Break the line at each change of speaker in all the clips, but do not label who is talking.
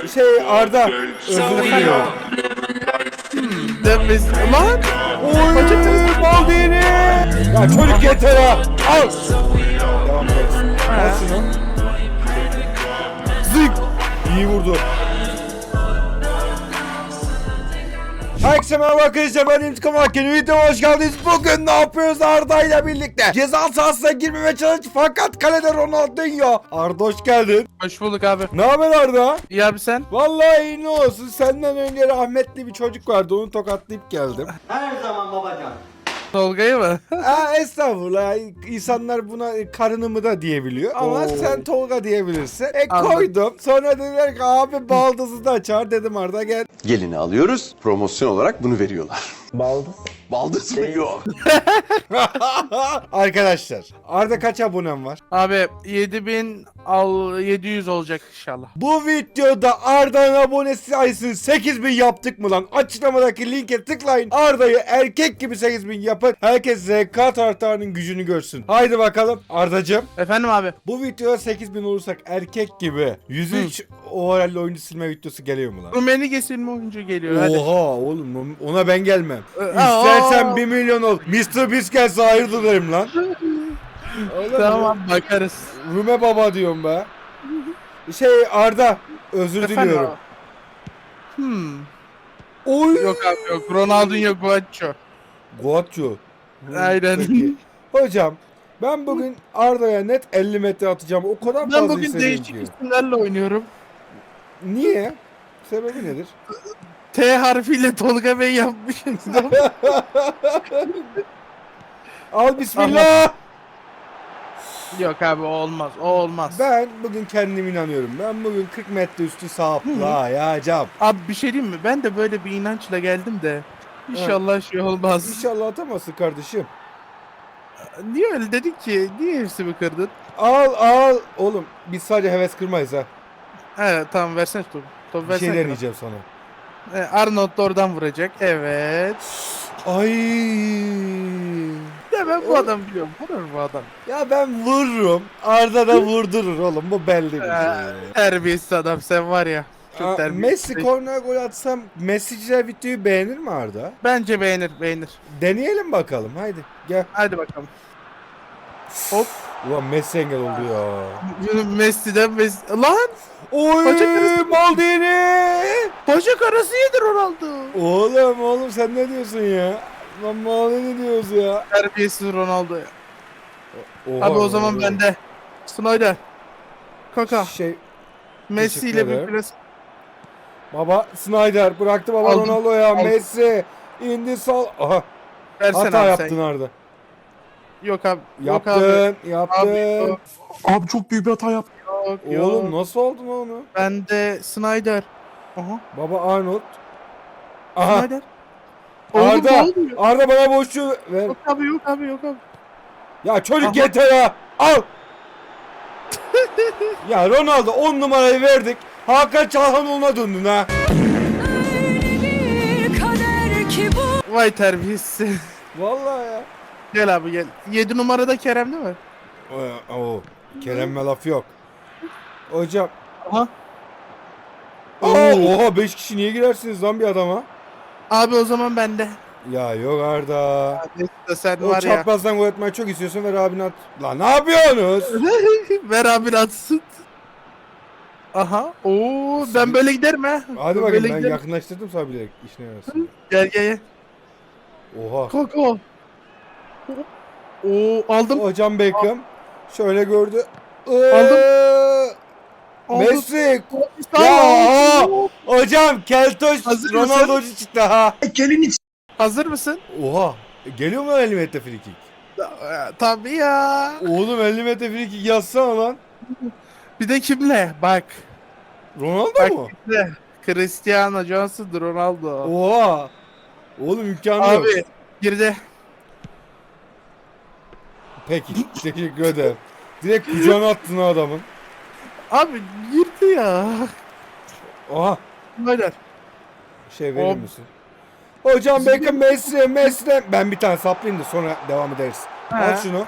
Arda, özür diliyorum.
Demez. Lan!
Oy, Maldini! Ya çocuk yeter ha! Al! Devam ederiz. Al şunu. Zık! İyi vurdu. Herkese merhaba arkadaşlar, ben İntikam Hakkı'nın videoma hoş geldiniz. Bugün ne yapıyoruz Arda ile birlikte? Ceza sahasına girmeme çalış fakat kalede Ronaldinho. Arda hoş geldin.
Hoş bulduk abi.
Ne haber Arda?
İyi abi sen?
Vallahi iyi ne olsun, senden önce rahmetli bir çocuk vardı, onu tokatlayıp geldim.
Her zaman babacan.
Tolga'yı mı?
Estağfurullah, insanlar buna karınımı da diyebiliyor ama
Oo.
sen Tolga diyebilirsin.
Anladım.
Koydum, sonra dediler ki abi baldızı da çağır, dedim Arda gel.
Gelini alıyoruz. Promosyon olarak bunu veriyorlar.
Baldız.
Baldız mı? Yok.
Arkadaşlar, Arda kaç abonem var?
Abi 700 olacak inşallah.
Bu videoda Arda'nın abonesi sayısını 8000 yaptık mı lan? Açıklamadaki linke tıklayın. Arda'yı erkek gibi 8000 yapın. Herkes ZK taraftarının gücünü görsün. Haydi bakalım Ardacığım.
Efendim abi.
Bu videoda 8000 olursak erkek gibi 103 overall oyuncu silme videosu geliyor mu lan?
Rumeni kesilme oyuncu geliyor hadi.
Oha oğlum, ona ben gelmem.
Aa.
İstersen 1 milyon ol. Mr. Beast gelse hayırdır derim lan. Oğlum,
Tamam bakarız.
Rume baba diyorum be. Arda, özür
Efendim
diliyorum.
abi. Hmm.
Oy.
Yok abi yok. Ronaldinho Guaccio.
Guatço.
Aynen.
Peki. Hocam, ben bugün Arda'ya net 50 metre atacağım. O kadar
Ben
fazla
bugün
hissediyorum
değişik
ki.
isimlerle oynuyorum.
Niye? Sebebi nedir?
T harfiyle Tolga Bey yapmışım.
Al bismillah.
Yok abi o olmaz. O olmaz.
Ben bugün kendime inanıyorum. Ben bugün 40 metre üstü saplayacağım.
Abi bir şey diyeyim mi? Ben de böyle bir inançla geldim de. İnşallah şey olmaz.
İnşallah atamazsın kardeşim.
Niye öyle dedik ki? Niye hepsini kırdın?
Al. Oğlum biz sadece heves kırmayız ha.
Evet tamam versene topu. Topu
Bir
versene.
şey deneyeceğim sana.
Arnold da oradan vuracak. Evet.
Ay.
Ya ben bu adam biliyorum. Vurur bu adam.
Ya ben vururum. Arda da vurdurur oğlum. Bu belli bir şey.
Terbiyesiz adam sen var ya. Çok terbiyesiz.
Messi korner gol atsam Messi'ciler videoyu beğenir mi Arda?
Bence beğenir.
Deneyelim bakalım. Haydi gel.
Hadi bakalım. Hop.
Ulan Messi engel oldu ya.
Messi'den Messi. Lan!
Oy
Bacak arası.
Maldini.
Bacak arası yedi Ronaldo.
Oğlum sen ne diyorsun ya? Lan Maldini diyoruz ya.
Terbiyesiz Ronaldo ya.
Oha,
Abi o zaman bende. Snyder. Kaka. Messi
teşekkür
ile bir
ederim.
pres.
Baba Snyder bıraktı baba
Aldım.
Ronaldo'ya.
Aldım.
Messi indi sol. Aha.
Versene
Hata
abi
yaptın
sen.
Arda.
Yok abi. Yok abi.
Yaptın.
Abi, yok.
Abi çok büyük bir hata yaptım.
Yok.
Oğlum nasıl oldun onu?
Ben de Snyder. Aha.
Baba Arnold. Aha.
Snyder. Oğlum,
Arda.
ne oluyor?
Arda bana boşluğu ver.
Yok abi yok abi yok abi.
Ya çocuk
Aha.
yeter ha. Al. Ya Ronaldo 10 numarayı verdik. Hakan Çalhanoğlu'na döndün ha.
Vay terbiyesiz.
Vallahi ya.
Gel abi gel. 7 numarada Kerem değil mi?
Oo. Kerem'e laf yok. Hocam.
Aha.
Oha 5 kişi niye girersiniz lan bir adama?
Abi o zaman bende.
Ya yok Arda.
Abi sen
O
var ya.
çaprazdan gol atmayı çok istiyorsun, ver abine at. Lan ne yapıyorsunuz?
Ver abi atsın. Aha. Oo ben böyle giderim ha.
Hadi
Böyle
bakayım, ben
giderim.
yakınlaştırdım sana bilerek işine yarasın.
Gel.
Oha.
Koko. Oo aldım.
Hocam Beckham şöyle gördü.
Aldım.
Messi.
Aldım.
Ya hocam Keltoş
Hazır
Ronaldo'cu çıktı ha.
Hazır mısın?
Oha. Geliyor mu 50 metre free kick?
Tabii ya.
Oğlum 50 metre free kick yazsana lan.
Bir de kimle? Bak.
Ronaldo
Bak
mu?
kimle? Cristiano Johnson, Ronaldo.
Oha. Oğlum imkanı yok.
Abi girdi.
Peki teşekkür ederim. Direkt kucağına attın ha adamın.
Abi girdi ya.
Oha.
Böyle.
Şey verir
Hop.
misin? Hocam Beckham Messi. Ben bir tane saplayayım da sonra devam ederiz.
He.
Al şunu.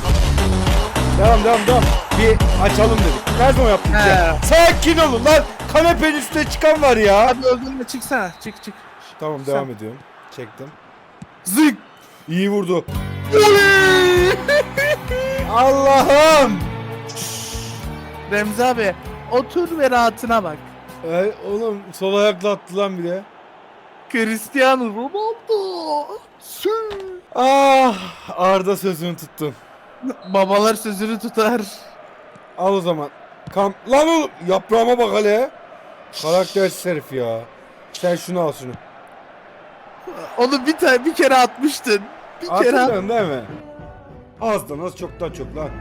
Devam. Bir açalım dedik. Her zaman yaptık
He.
ya. Sakin olun lan. kanepenin üstüne çıkan var ya.
Hadi öldürme çıksana. Çık.
Tamam
Sen-
devam ediyorum. Çektim.
Zık.
İyi vurdu.
Oley!
Allah'ım.
Remzi abi otur ve rahatına bak.
Oğlum sol ayakla attı lan bir de.
Cristiano Ronaldo. Sü.
Ah Arda sözünü tuttun.
Babalar sözünü tutar.
Al o zaman. Lan oğlum yaprağıma bak hele. Karaktersiz herif ya. Sen şunu al şunu.
Onu bir kere atmıştın. Bir kere at.
Hatırlıyorsun değil mi? Azdan az çoktan çok lan.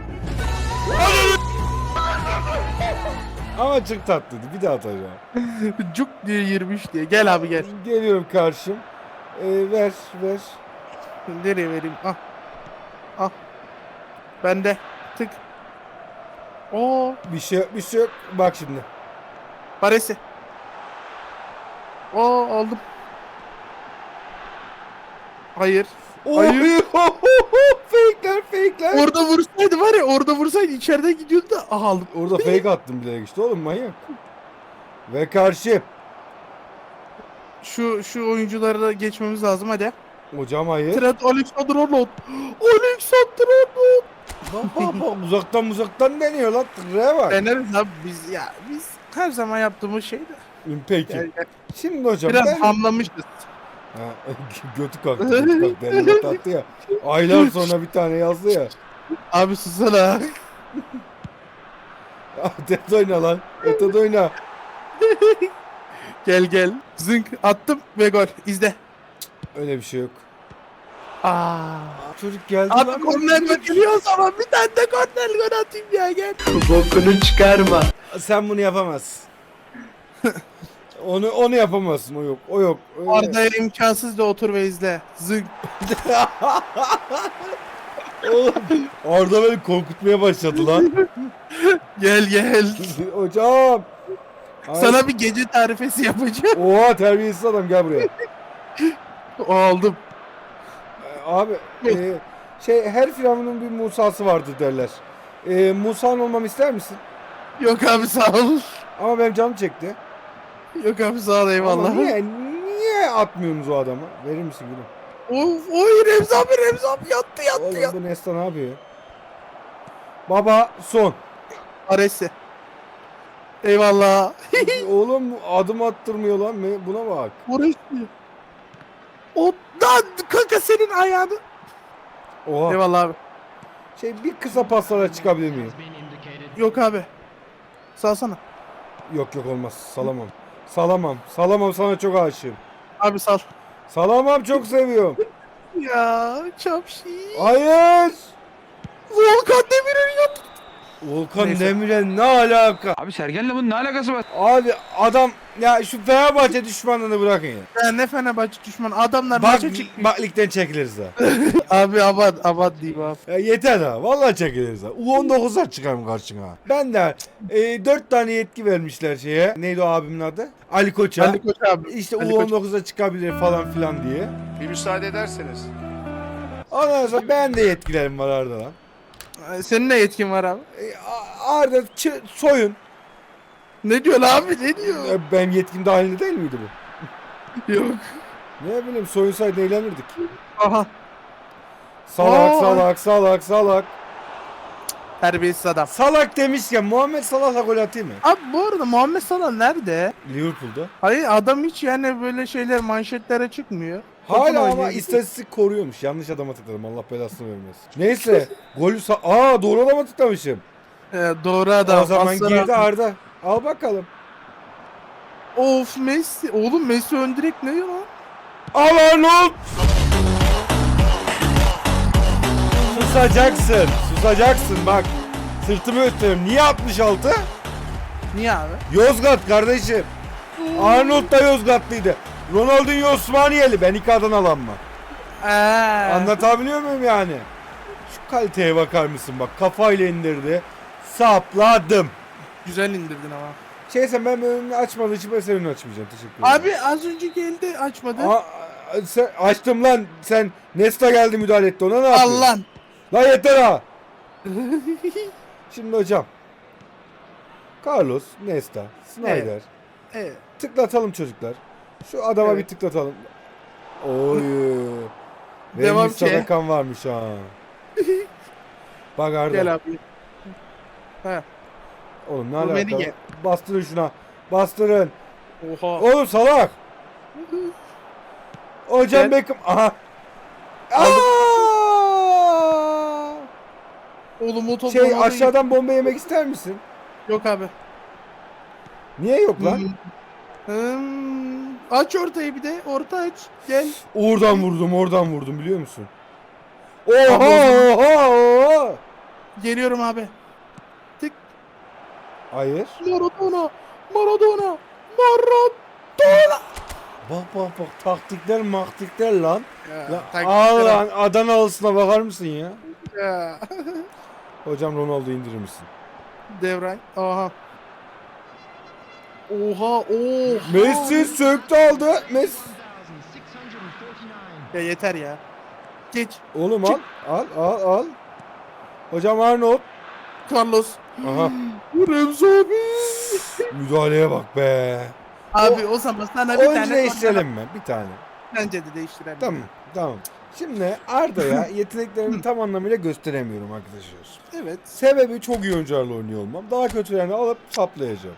Ama çok tatlıydı. Bir daha atacağım.
Cuk diye girmiş diye. Gel abi gel.
Geliyorum karşım. Ver.
Nereye vereyim? Ah. Ah. Bende. Tık. Oo.
Bir şey yok. Bak şimdi.
Paresi. Oo aldım. Hayır. Hayır.
Fake'ler.
Orada vursaydı var ya, orada vursaydı içeriden gidiyordu da aha aldım.
Orada fake attım bile işte oğlum manyak. Ve karşı.
Şu oyuncuları da geçmemiz lazım hadi.
Hocam hayır.
Trent Alexander-Arnold. Alexander-Arnold.
Bak uzaktan deniyor lan. Tırraya bak.
Deneriz abi biz her zaman yaptığımız şey de.
Peki.
Gel, gel.
Şimdi hocam
Biraz
ben...
hamlamışız.
Ha, götü kalktı. Derine taktı ya. Aylar sonra bir tane yazdı ya.
Abi susana.
Ötede oyna lan. Ötede oyna.
Gel. Zınk attım ve gol. İzle.
Öyle bir şey yok.
Aa.
Çocuk geldi
Abi
lan.
korner geliyor o zaman bir tane de korner gol atayım ya gel.
Bokunu çıkarma.
Sen bunu yapamazsın. Onu yapamazsın. O yok. Öyle.
Arda'ya imkansız da otur ve izle. Zınk.
Oğlum, Arda beni korkutmaya başladı lan.
Gel.
Hocam. Ay,
Sana bir gece tarifesi yapacağım.
Oha terbiyesiz adam gel buraya.
O aldım.
Abi her firavunun bir Musa'sı vardır derler. Musa'nın olmamı ister misin?
Yok abi sağ ol.
Ama benim canım çekti.
Yok abi sağ ol eyvallah.
Ama niye atmıyorsunuz o adamı? Verir misin gülüm?
Oy Remzi abi yattı.
Oğlum bu Nesta ne yapıyor? Baba son.
Aresi. Eyvallah.
Oğlum adım attırmıyor lan. Buna bak.
Orası. O lan kanka senin ayağını.
Oha.
Eyvallah abi.
Bir kısa paslara çıkabilir miyim?
Yok abi. Salsana.
Yok olmaz. Salamam sana çok aşığım.
Abi sal.
Salamam çok seviyorum.
Ya çapşi.
Hayır.
Volkan Demirel yaptı.
Volkan
Neyse.
Demirel ne alaka?
Abi Sergen'le bunun ne alakası var?
Abi adam ya şu Fenerbahçe düşmanlığını bırakın ya.
Ya ne Fenerbahçe düşmanı adamlar
Bak,
maça çıkıyor.
bak ligden çekiliriz ha.
Abi aman diyeyim abi.
Ya yeter ha. Vallahi çekiliriz ha. U19'lar çıkarım karşına. Ben de 4 tane yetki vermişler şeye. Neydi o abimin adı? Ali Koç'a.
Ali Koç abi.
İşte
Ali Koç.
U19'a çıkabilir falan filan diye.
Bir müsaade ederseniz.
Ondan sonra ben de yetkilerim var Arda lan.
Senin ne yetkin var abi?
Arda soyun.
Ne diyor abi ne diyor?
Benim yetkim dahilinde değil miydi bu?
Yok.
Ne bileyim soyunsaydı eğlenirdik.
Aha.
Salak.
Terbiyesiz adam.
Salak demişken Muhammed Salah'la gol atayım mı?
Abi bu arada Muhammed Salah nerede?
Liverpool'da.
Hayır adam hiç yani böyle şeyler manşetlere çıkmıyor. Topun
Hala ama
oynuyor.
istatistik koruyormuş. Yanlış adama tıkladım. Allah belasını vermesin. Neyse. Golü doğru adama tıklamışım.
Doğru adam.
O zaman
Aslan
girdi
abi.
Arda. Al bakalım.
Of Messi. Oğlum Messi ön direkt ne ya lan?
Al Arnold. Susacaksın bak. Sırtımı gösteriyorum. Niye 66?
Niye abi?
Yozgat kardeşim. Arnold da Yozgatlıydı. Ronaldinho Osmaniyeli. Ben iki Adanalı mı? Anlatabiliyor muyum yani? Şu kaliteye bakar mısın bak. Kafayla indirdi. Sapladım.
Güzel indirdin ama.
Sen ben önünü açmadığı için ben senin önünü açmayacağım. Teşekkür ederim.
Abi az önce geldi açmadı.
Sen, açtım lan. Sen Nesta geldi müdahale etti ona ne yapıyorsun?
Allah.
Lan yeter ha. Şimdi hocam. Carlos, Nesta, Snyder,
Evet.
Tıklatalım çocuklar. Şu adama
Evet.
bir tıklatalım. Oy.
Devam
Vermiş
ki.
sadakan varmış ha. Bak Arda.
Gel abi. Ha.
Oğlum ne
Bu beni
alaka?
ye.
Bastırın şuna. Bastırın.
Oha.
Oğlum salak. Hocam
Gel.
Beckham. Aha.
Aldım.
Aa!
Oğlum o top
Şey
Ronaldo'yu-
aşağıdan bomba yemek ister misin?
Yok abi.
Niye yok lan?
Aç ortayı bir de. Orta aç. Gel.
Oradan vurdum biliyor musun?
Abi
Oha oha oha.
Geliyorum abi. Tık.
Hayır.
Maradona. Maradona. Maradona.
Bak taktikler maktikler lan.
Ya,
Ya, al lan Adanalısına bakar mısın ya?
Ya.
Hocam Ronaldo'yu indirir misin?
Devray. Aha. Oha. Oha.
Messi söktü aldı. Messi.
Ya yeter ya. Geç.
Oğlum al. Hocam Arnold.
Carlos.
Aha.
Remzi abi.
Müdahaleye bak be.
Abi o zaman sana bir
Oyuncu
tane
değiştirelim mi? Bir tane.
bence de değiştirelim.
Tamam. Şimdi Arda'ya yeteneklerimi tam anlamıyla gösteremiyorum arkadaşlar.
Evet.
Sebebi çok iyi oyuncularla oynuyor olmam. Daha kötülerini alıp saplayacağım.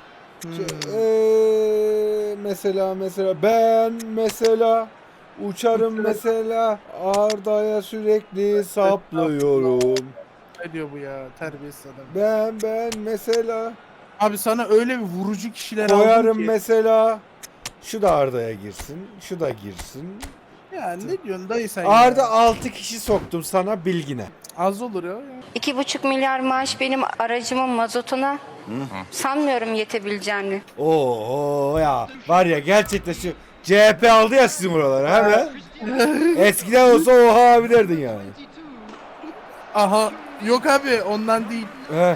Mesela ben uçarım mesela Arda'ya sürekli saplıyorum.
Ne diyor bu ya terbiyesiz adam.
Ben mesela
Abi sana öyle bir vurucu kişiler aldım
koyarım
ki.
mesela. Şu da Arda'ya girsin. Şu da girsin.
Ya ne diyorsun dayı sen
Arda
ya?
6 kişi soktum sana bilgine.
Az olur ya.
2,5 milyar maaş benim aracımın mazotuna. Sanmıyorum yetebileceğini.
Oo ya var ya gerçekten şu CHP aldı ya sizin oraları hemen. Eskiden olsa oha abi derdin yani.
Aha yok abi ondan değil.
Heh.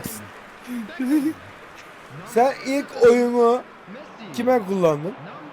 Sen ilk oyunu kime kullandın?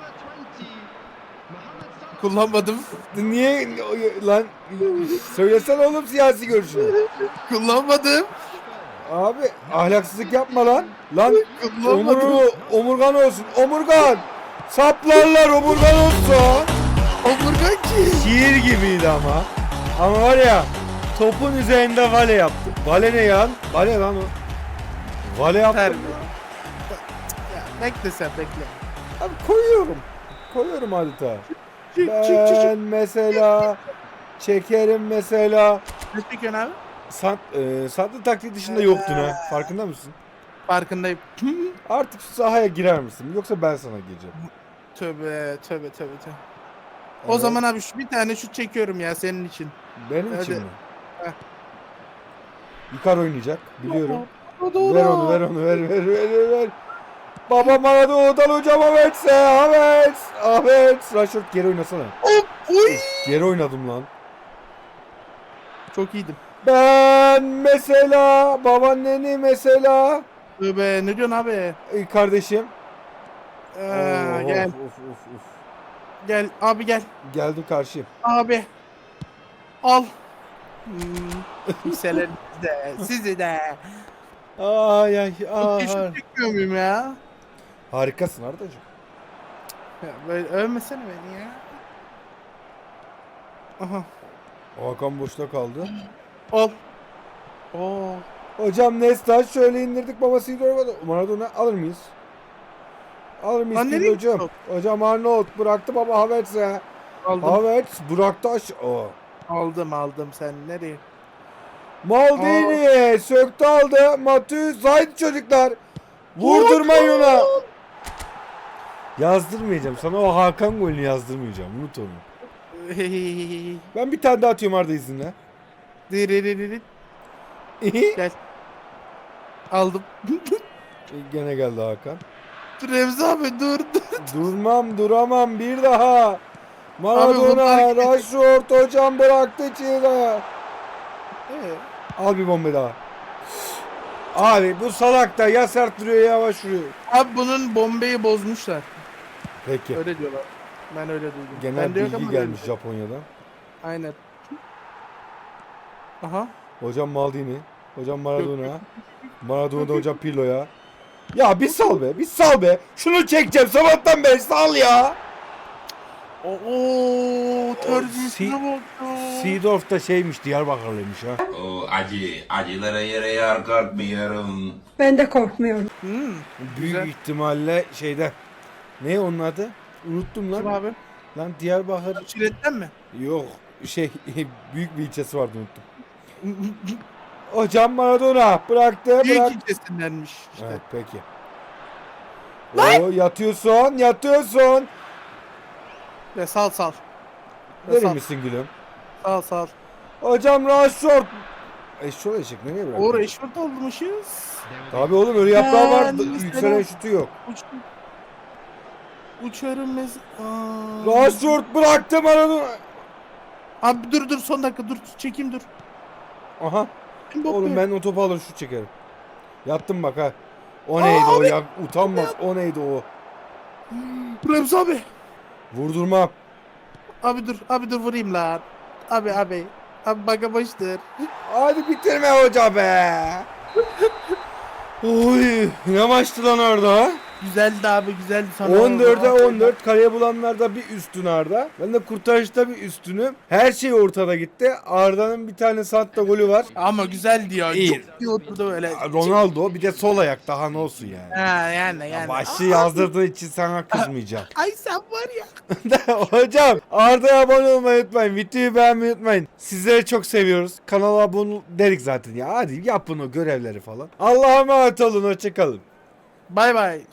Kullanmadım.
Niye lan söylesene oğlum siyasi görüşünü.
Kullanmadım.
Abi ahlaksızlık yapma lan. Lan
Kullanmadım.
omurgan olsun. Omurgan. Saplarlar omurgan olsa.
Omurgan ki.
Şiir gibiydi ama. Ama var ya topun üzerinde vale yaptı. Vale ne ya? Vale lan o. Vale yaptı.
Terbiye. Ya bekle sen bekle.
Abi koyuyorum. Koyuyorum adeta.
Çık.
Ben mesela çekerim mesela.
Ne çekiyorsun abi?
Satlı taktik dışında yoktun ha. Farkında mısın?
Farkındayım.
Artık şu sahaya girer misin? Yoksa ben sana gireceğim.
Tövbe. O
Evet.
zaman abi bir tane şut çekiyorum ya senin için.
Benim
Hadi.
için mi?
Heh.
Yıkar oynayacak. Biliyorum.
Maradona.
Ver onu ver. Baba Maradona'dan hocam Ahmet. Rashford geri oynasana.
Oy.
Geri oynadım lan.
Çok iyiydim.
Ben mesela babaanneni mesela
Tövbe ne diyorsun abi?
kardeşim.
Gel.
Of.
Gel abi gel.
Geldim karşıyım.
Abi. Al. Hisselerinizi de. Sizi de.
Ay.
Şut çekiyor muyum ya?
Harikasın Ardacığım.
Ya böyle övmesene beni ya. Aha.
Hakan boşta kaldı.
Al. Oo.
Hocam Nesta şöyle indirdik babasıyla orada. Maradona alır mıyız? Alır mıyız
Lan
değil
nereye
hocam?
gitti
Hocam Arnold bıraktı baba Havertz'e.
Aldım.
Havertz bıraktı o.
Aldım sen nereye?
Maldini söktü aldı. Matusz haydi çocuklar. Vurdurmayın ona. Yazdırmayacağım. Sana o Hakan golünü yazdırmayacağım. Unut onu. Ben bir tane daha atıyorum Arda izinle.
Diriririt. Gel. Aldım.
Gene geldi Hakan.
Remzi abi dur.
Duramam bir daha. Maradona,
bunlar-
Rashford hocam bıraktı içeri. Al bir bomba daha. Abi bu salak da ya sert duruyor ya yavaş vuruyor.
Abi bunun bombeyi bozmuşlar.
Peki.
Öyle diyorlar. Ben öyle duydum.
Genel
Ben de yok
bilgi
ama
gelmiş
öyle.
Japonya'dan.
Aynen. Aha.
Hocam Maldini. Hocam Maradona. Maradona da hocam Pirlo'ya. Ya bir sal be, bir sal be. Şunu çekeceğim sabahtan beri, sal ya.
Oo, terbiyesine bak ya.
Seedorf da şeymiş, Diyarbakırlıymış ha.
O acılara yere yar kalkmıyorum.
Ben de korkmuyorum.
Büyük
Güzel.
ihtimalle şeyde. Ne onun adı? Unuttum
Kim
lan.
abi?
Lan Diyarbakır.
Çiletten mi?
Yok şey büyük bir ilçesi vardı, unuttum. Hocam Maradona bıraktı,
Büyük
bırak.
ilçesindenmiş işte.
Evet peki. Oo, yatıyorsun.
Ve sal. Ve
Verir
sal.
misin gülüm?
Sal.
Hocam Rashford. Eşşoğlu eşek nereye bıraktın?
O Rashford olmuşuz.
Tabii oğlum, öyle yaprağı var.
Ben
Yükselen
mesela-
şutu yok.
Uçarım
Rashford bıraktı Maradona.
Abi dur son dakika dur çekeyim dur.
Aha.
Kim
Oğlum
bakıyor?
ben o topu alır şut çekerim. Yattım bak ha. O neydi o ya? Utanmaz. O neydi o?
Remzi abi.
Vurdurmam.
Abi dur vurayım lan. Abi. Abi baka baştır.
Hadi bitirme hoca be. Oy, ne maçtı lan orada?
Güzeldi abi güzeldi. Sonra
14'e 14, kaleye bulanlarda bir üstün Arda. Ben de kurtarışta bir üstünüm. Her şey ortada gitti. Arda'nın bir tane Santa golü var.
Ama güzeldi ya.
İyi.
Çok iyi oturdu öyle.
Ronaldo bir de sol ayak, daha ne olsun yani.
Ha yani.
Başlığı yazdırdığı için sana kızmayacağım.
Ay sen var ya.
Hocam Arda'ya abone olmayı unutmayın. Videoyu beğenmeyi unutmayın. Sizleri çok seviyoruz. Kanala abone dedik zaten ya. Hadi yapın o görevleri falan. Allah'a emanet olun. Hoşçakalın.
Bay bay.